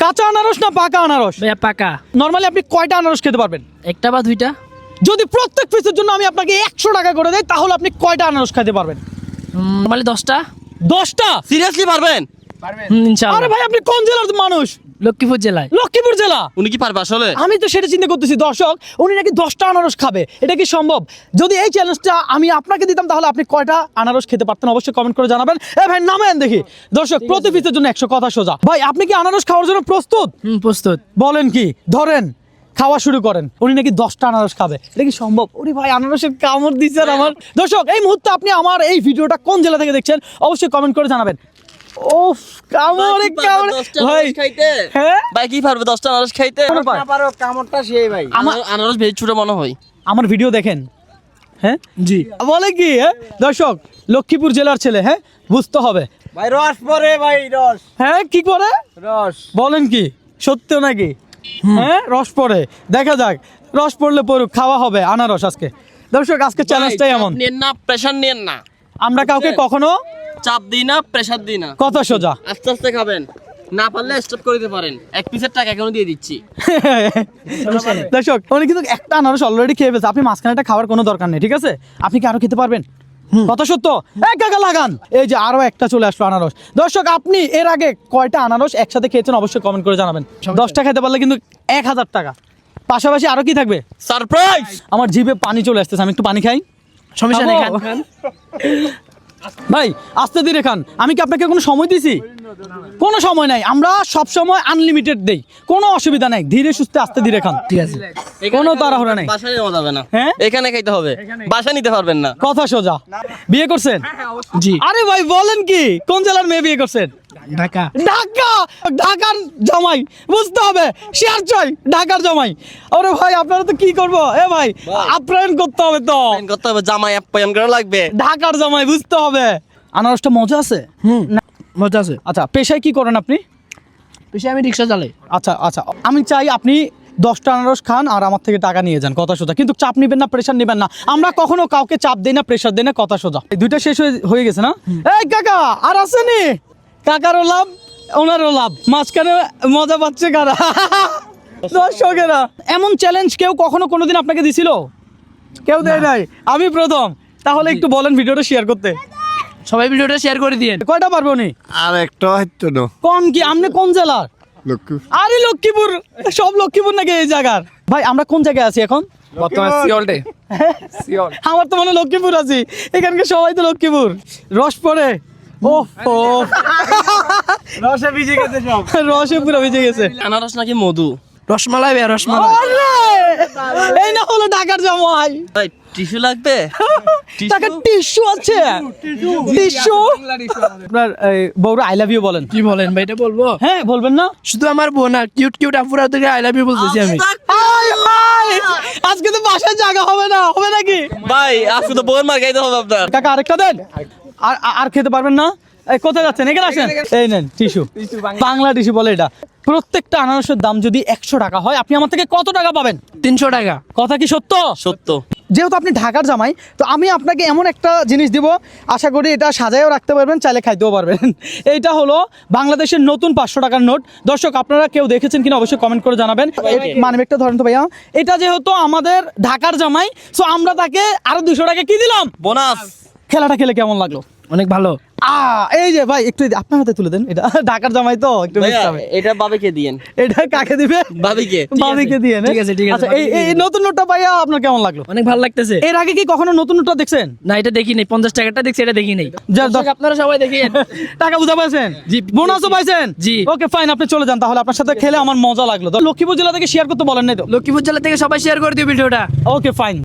কাঁচা আনারস না পাকা আনারস? ভাইয়া পাকা। নরমালি আপনি কয়টা আনারস খেতে পারবেন? একটা বা দুইটা। যদি প্রত্যেক পিসের জন্য আমি আপনাকে 100 টাকা করে দেই তাহলে আপনি কয়টা আনারস খেতে পারবেন? নরমালি 10টা। 10টা? সিরিয়াসলি পারবেন? ইনশাআল্লাহ। আরে ভাই আপনি কোন জেলার মানুষ? লক্ষ্মীপুর জেলায়। লক্ষ্মীপুর জেলা? উনি কি পারবে আসলে? আমি তো সেটা চিন্তা করতেছি দর্শক, উনি নাকি 10টা আনারস খাবে, এটা কি সম্ভব? যদি এই চ্যালেঞ্জটা আমি আপনাকে দিতাম তাহলে আপনি কয়টা আনারস খেতে পারতেন অবশ্যই কমেন্ট করে জানাবেন। এ ভাই নামেন দেখি। দর্শক প্রতি পিসের জন্য 100, কথা সোজা। ভাই আপনি কি আনারস খাওয়ার জন্য প্রস্তুত? প্রস্তুত। বলেন কি, ধরেন খাওয়া শুরু করেন। উনি নাকি 10টা আনারস খাবে, এটা কি সম্ভব? ওরে ভাই আনারসের কামড় দিচ্ছেন আমার। দর্শক এই মুহূর্তে আপনি আমার এই ভিডিওটা কোন জেলা থেকে দেখছেন অবশ্যই কমেন্ট করে জানাবেন। ওফ কামড়ে কামড়ে ভাই হ্যাঁ ভাই কি পারবে 10টা আনারস খাইতে? না পারো কামড়টা সেই ভাই। আনারস বেশি ছোট মনে হয়। আমার ভিডিও দেখেন? হ্যাঁ জি। বলে কি হ্যাঁ দর্শক, লক্ষ্মীপুর জেলার ছেলে, হ্যাঁ বুঝতে হবে। ভাই রস পরে ভাই রস। হ্যাঁ কি করে রস বলেন কি সত্য নাকি? হ্যাঁ রস পড়ে, দেখা যাক রস পড়লে পড়ুক, খাওয়া হবে আনারস আজকে। দর্শক আজকে চ্যালেঞ্জটাই এমন, নেন না, প্রেসার নেন না। আমরা কাউকে কখনো চাপ দিই না, প্রেসার দিই না। কথা সোজা। আস্তে আস্তে খাবেন, না পারলে স্টপ করে দিতে পারেন। এক পিসের টাকা এখনো দিয়ে দিচ্ছি। দর্শক উনি কিন্তু একটা আনারস অলরেডি খেয়ে ফেলছে, আপনি মাঝখানেটা খাওয়ার কোনো দরকার নেই, ঠিক আছে? আপনি কি আরো খেতে পারবেন? কথা সত্য, এক কাকা লাগান। এই যে আরো একটা চলে আসলো আনারস। দর্শক আপনি এর আগে কয়টা আনারস একসাথে খেয়েছেন অবশ্যই কমেন্ট করে জানাবেন। 10টা খেতে পারলে কিন্তু 1000 টাকা। পাশাপাশি আরো কি থাকবে? সারপ্রাইজ। আমার জিভে পানি চলে আসতেছে, আমি একটু পানি খাই। সমস্যা নেই, খাবো? খান। ভাই আস্তে ধীরে খান। আমি কি আপনাকে কোনো সময় দিছি? কোনো সময় নাই, আমরা সব সময় আনলিমিটেড দেই, কোনো অসুবিধা নাই। ধীরে সুস্থে আস্তে ধীরে খান, ঠিক আছে। কোনো তাড়াহুড়া নাই। বাসায় নেওয়া যাবে না, হ্যাঁ? এখানে খাইতে হবে, বাসা নিতে পারবেন না। কথা সোজা। বিয়ে করছেন? জি। আরে ভাই বলেন কি, কোন জেলার মেয়ে বিয়ে করছেন? ঢাকা। ঢাকা? ঢাকার জামাই বুঝতে হবে, শেয়ার চাই ঢাকার জামাই। আরে ভাই আপনারা তো কি করবো, এ ভাই আপ্যায়ন করতে হবে তো, প্ল্যান করতে হবে, জামাই আপ্যায়ন করা লাগবে। ঢাকার জামাই বুঝতে হবে। আনারসটা মজা আছে? মজা আছে। আচ্ছা পেশায় কি করেন আপনি? বেশি আমি রিক্সা চালাই। আচ্ছা আচ্ছা, আমি চাই আপনি 10টা আনারস খান আর আমার থেকে টাকা নিয়ে যান, কথা সোজা। কিন্তু চাপ নিবেন না, প্রেশার নিবেন না। আমরা কখনো কাউকে চাপ দেই না, প্রেশার দেই না, কথা সোজা। এই দুইটা শেষ হয়ে গেছে না? এই কাকা আর আসেনি? কাকারও লাভ ওনারও লাভ, মাঝখানে মজা পাচ্ছে কারা? দর্শকেরা। এমন চ্যালেঞ্জ কেউ কখনো কোনোদিন আপনাকে দিছিল? কেউ দেয় নাই, আমি প্রথম। তাহলে একটু বলেন ভিডিওটা শেয়ার করতে। সবাই ভিডিওটা শেয়ার করে দিয়েন। কয়টা পারবে উনি? আর একটা হয়তো না কোন কি, আপনি কোন জেলার? লক্ষ্মী আরে লক্ষ্মীপুর, সব লক্ষ্মীপুর নাকি এই জায়গার? ভাই আমরা কোন জায়গায় আছি এখন? বর্তমানে সিওলটে সিওল। আমার তো মনে হয় লক্ষ্মীপুর আছি, এখানকার সবাই তো লক্ষ্মীপুর। রস পড়ে ও রসে ভিজে গেছে সব। রসে পুরো ভিজে গেছে। আনারস নাকি মধু? রসমালাই ভাইয়া, রসমালাই। আরে, এই না হলো ঢাকার জামাই। ভাই টিস্যু লাগবে? টাকা টিস্যু আছে? টিস্যু? আপনার বউরা আই লাভ ইউ বলেন। কি বলেন ভাই, এটা বলবো? হ্যাঁ বলবেন না? শুধু আমার বোন না, কিউট কিউট আপুরা থেকে আই লাভ ইউ বলতেছি আমি। আয়, আয়, আজকে তো বাসায় জায়গা হবে না, হবে নাকি? ভাই আজকে তো বউয়ের মার খাইতে হবে আপনার। কাকা আরেকটা দেন। আর খেতে পারবেন না? এই কোথায় যাচ্ছেন? এখানে আসেন, এই নেন টিস্যু, বাংলা টিস্যু বলে এটা। প্রত্যেকটা আনারসের দাম যদি 100 টাকা হয়, আপনি আমার থেকে কত টাকা পাবেন? 300 টাকা। কথা কি সত্য? সত্য। যেহেতু আপনি ঢাকার জামাই, তো আমি আপনাকে এমন একটা জিনিস দিব, আশা করি এটা সাজায়ও রাখতে পারবেন, চাইলে খাইতেও পারবেন। এইটা হলো বাংলাদেশের নতুন 500 টাকার নোট। দর্শক আপনারা কেউ দেখেছেন কিনা অবশ্যই কমেন্ট করে জানাবেন। মানবেকটা ধরেন তো ভাইয়া। এটা যেহেতু আমাদের ঢাকার জামাই, সো আমরা তাকে আরো 200 টাকা কি দিলাম বোনাস। খেলাটা খেলে কেমন লাগলো? অনেক ভালো। এই যে ভাই একটু আপনার হাতে তুলে দেন, এটা ঢাকার জামাই তো একটু মিশতে হবে। এটা বাবিকে দিয়েন। এটা কাকে দিবে? বাবিকে। বাবিকে দিয়ে ঠিক আছে, ঠিক আছে। আচ্ছা এই নতুন নোটটা পাইয়া আপনার কেমন লাগলো? অনেক ভালো লাগতেছে। এর আগে কি কখনো নতুন নোটটা দেখছেন? না, এটা দেখি নাই। 50 টাকাটা দেখছি, এটা দেখি নাই। দর্শক, আপনারা সবাই দেখেন। টাকা বুঝা পাইছেন? জি। বোনাসও পাইছেন? জি। ওকে ফাইন, আপনি চলে যান তাহলে। আপনার সাথে খেলে আমার মজা লাগলো। লক্ষ্মীপুর জেলা থেকে শেয়ার করতে বলেন নাই তো? লক্ষ্মীপুর জেলা থেকে সবাই শেয়ার করে দিও ভিডিওটা। Okay fine.